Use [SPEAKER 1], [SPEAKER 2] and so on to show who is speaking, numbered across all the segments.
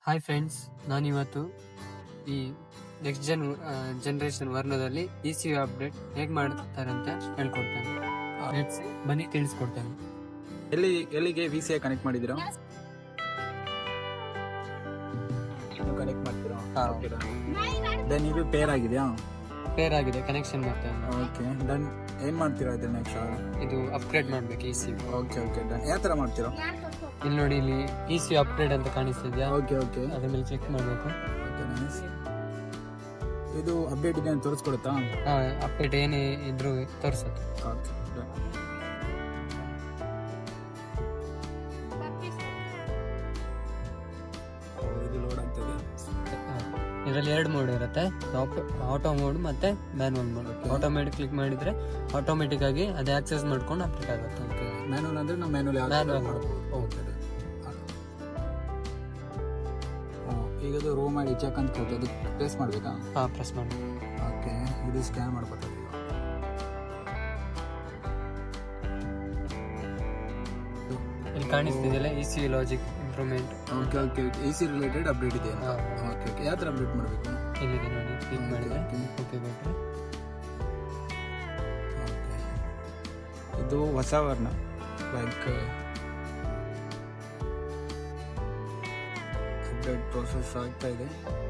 [SPEAKER 1] Hi friends, ನಾನಿವತ್ತು ಈ next generation ವರ್ಣದಲ್ಲಿ ECU ಅಪ್ಡೇಟ್ ಹೇಗೆ ಮಾಡ್ತಾರೆ ಅಂತ ಹೇಳ್ಕೊಡ್ತೇನೆ. ಬನ್ನಿ ತಿಳಿಸ್ಕೊಡ್ತೇನೆ.
[SPEAKER 2] ಎಲ್ಲಿಗೆ VCI ಕನೆಕ್ಟ್ ಮಾಡಿದ್ದೀರಾ? ಕನೆಕ್ಟ್ ಮಾಡ್ತೀರಾ? ದೆನ್ ಇದು ಪೇರ್ ಆಗಿದೆಯಾ?
[SPEAKER 1] ಪೇರ್ ಆಗಿದೆ, ಕನೆಕ್ಷನ್ ಮಾಡ್ತೇನೆ.
[SPEAKER 2] Okay, done. ಏನ್ ಮಾಡ್ತೀರಾ ಇದು ನೆಕ್ಸ್ಟ್?
[SPEAKER 1] ಇದು ಅಪ್ಗ್ರೇಡ್ ಮಾಡ್ಬೇಕು ECU.
[SPEAKER 2] Okay okay, done. ಯಾವ ಥರ ಮಾಡ್ತೀರಾ?
[SPEAKER 1] ಇಲ್ಲಿ ನೋಡಿ, ಇಲ್ಲಿ ECU ಅಪ್ಗ್ರೇಡ್ ಅಂತ ಕಾಣಿಸ್ತಿದ್ಯಾ?
[SPEAKER 2] ಓಕೆ ಓಕೆ,
[SPEAKER 1] ಅದ್ರ ಮೇಲೆ ಕ್ಲಿಕ್ ಮಾಡಬೇಕು.
[SPEAKER 2] Okay, nice. ಇದು ಅಪ್ಡೇಟ್ ಇದೆ ಅಂತ ತೋರಿಸ್ಕೊಡುತ್ತಾ?
[SPEAKER 1] ಅಪ್ಡೇಟ್ ಏನೇ ಇದ್ರೂ ತೋರಿಸುತ್ತೆ.
[SPEAKER 2] Okay, done. ಇದು ಲೋಡ್ ಆಗ್ತದೆ.
[SPEAKER 1] ಇದರಲ್ಲಿ 2 ಮೋಡ್ ಇರುತ್ತೆ, ಆಟೋ ಮೋಡ್ ಮತ್ತೆ ಮ್ಯಾನುವಲ್ ಮೋಡ್. ಆಟೋಮೆಟಿಕ್ ಕ್ಲಿಕ್ ಮಾಡಿದ್ರೆ ಆಟೋಮೆಟಿಕ್ ಆಗಿ ಅದೇ ಆಕ್ಸೆಸ್ ಮಾಡ್ಕೊಂಡು ಅಪ್ಡೇಟ್ ಆಗುತ್ತೆ.
[SPEAKER 2] ಮ್ಯಾನುವಲ್ ಅಂದ್ರೆ ನಾವು ಮ್ಯಾನುವಲ್
[SPEAKER 1] Manual.
[SPEAKER 2] ಓಕೆ. ಈಗ ಅದು ರೋ ಮಾಡಿ ಚೆಕ್ ಅಂತ ಕೊಟ್ಟು ಅದಕ್ಕೆ ಪ್ರೆಸ್ ಮಾಡಬೇಕಾ?
[SPEAKER 1] ಪ್ರೆಸ್ ಮಾಡಿ.
[SPEAKER 2] ಓಕೆ, ಇದು ಸ್ಕ್ಯಾನ್ ಮಾಡ್ಕೊತಾರೆ.
[SPEAKER 1] ಇಲ್ಲಿ ಕಾಣಿಸ್ತಿದೆಯಲ್ಲ ECU logic improvement.
[SPEAKER 2] Okay okay, AC related update ಇದೆ ಅಂತ. ಓಕೆ ಓಕೆ, ಯಾವ ಥರ ಅಪ್ಡೇಟ್ ಮಾಡಬೇಕು?
[SPEAKER 1] ಇಲ್ಲಿದೆ ನೋಡಿ, ಕ್ಲಿಕ್ ಮಾಡಿದ್ರೆ ಓಕೆ ಕೊಟ್ಟರೆ
[SPEAKER 2] ಓಕೆ. ಇದು ಹೊಸ ವರ್ಣ, ಲೈಕ್ ಅಪ್ಡೇಟ್ ಪ್ರೋಸೆಸ್ ಆಗ್ತಾ ಇದೆ.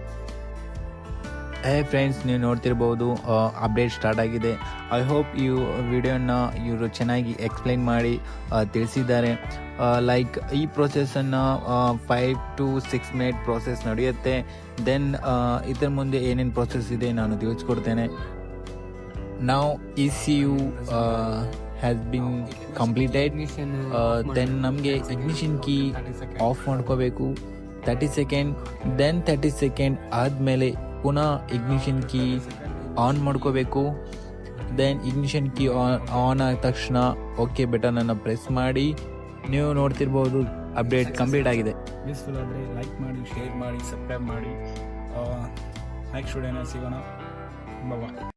[SPEAKER 3] ಫ್ರೆಂಡ್ಸ್, ನೀವು ನೋಡ್ತಿರ್ಬೋದು ಅಪ್ಡೇಟ್ ಸ್ಟಾರ್ಟ್ ಆಗಿದೆ. ಐ ಹೋಪ್ ಈ ವಿಡಿಯೋನ ಇವರು ಚೆನ್ನಾಗಿ ಎಕ್ಸ್ಪ್ಲೈನ್ ಮಾಡಿ ತಿಳಿಸಿದ್ದಾರೆ. ಲೈಕ್ ಈ ಪ್ರೋಸೆಸ್ಸನ್ನು 5 to 6 ಮಿನಿಟ್ ಪ್ರೋಸೆಸ್ ನಡೆಯುತ್ತೆ. ದೆನ್ ಇದರ ಮುಂದೆ ಏನೇನು ಪ್ರೋಸೆಸ್ ಇದೆ ನಾನು ತಿಳಿಸ್ಕೊಡ್ತೇನೆ. ನಾವು ECU has been completed. Then ನಮಗೆ ಇಗ್ನಿಷನ್ ಕೀ ಆಫ್ ಮಾಡ್ಕೋಬೇಕು 30 ಸೆಕೆಂಡ್. ದೆನ್ 30 ಸೆಕೆಂಡ್ ಆದಮೇಲೆ ಪುನಃ ಇಗ್ನಿಷನ್ ಕೀ ಆನ್ ಮಾಡ್ಕೋಬೇಕು. ದೆನ್ ಇಗ್ನಿಷನ್ ಕೀ ಆನ್ ಆದ ತಕ್ಷಣ ಓಕೆ ಬಟನನ್ನು ಪ್ರೆಸ್ ಮಾಡಿ. ನೀವು ನೋಡ್ತಿರ್ಬೋದು ಅಪ್ಡೇಟ್ ಕಂಪ್ಲೀಟ್ ಆಗಿದೆ.
[SPEAKER 2] ಯೂಸ್ಫುಲ್ ಆದರೆ ಲೈಕ್ ಮಾಡಿ, ಶೇರ್ ಮಾಡಿ, ಸಬ್ಸ್ಕ್ರೈಬ್ ಮಾಡಿ. ನೆಕ್ಸ್ಟ್ ವಿಡಿಯೋನ ಸಿಗೋಣ. ಬಾಯ್.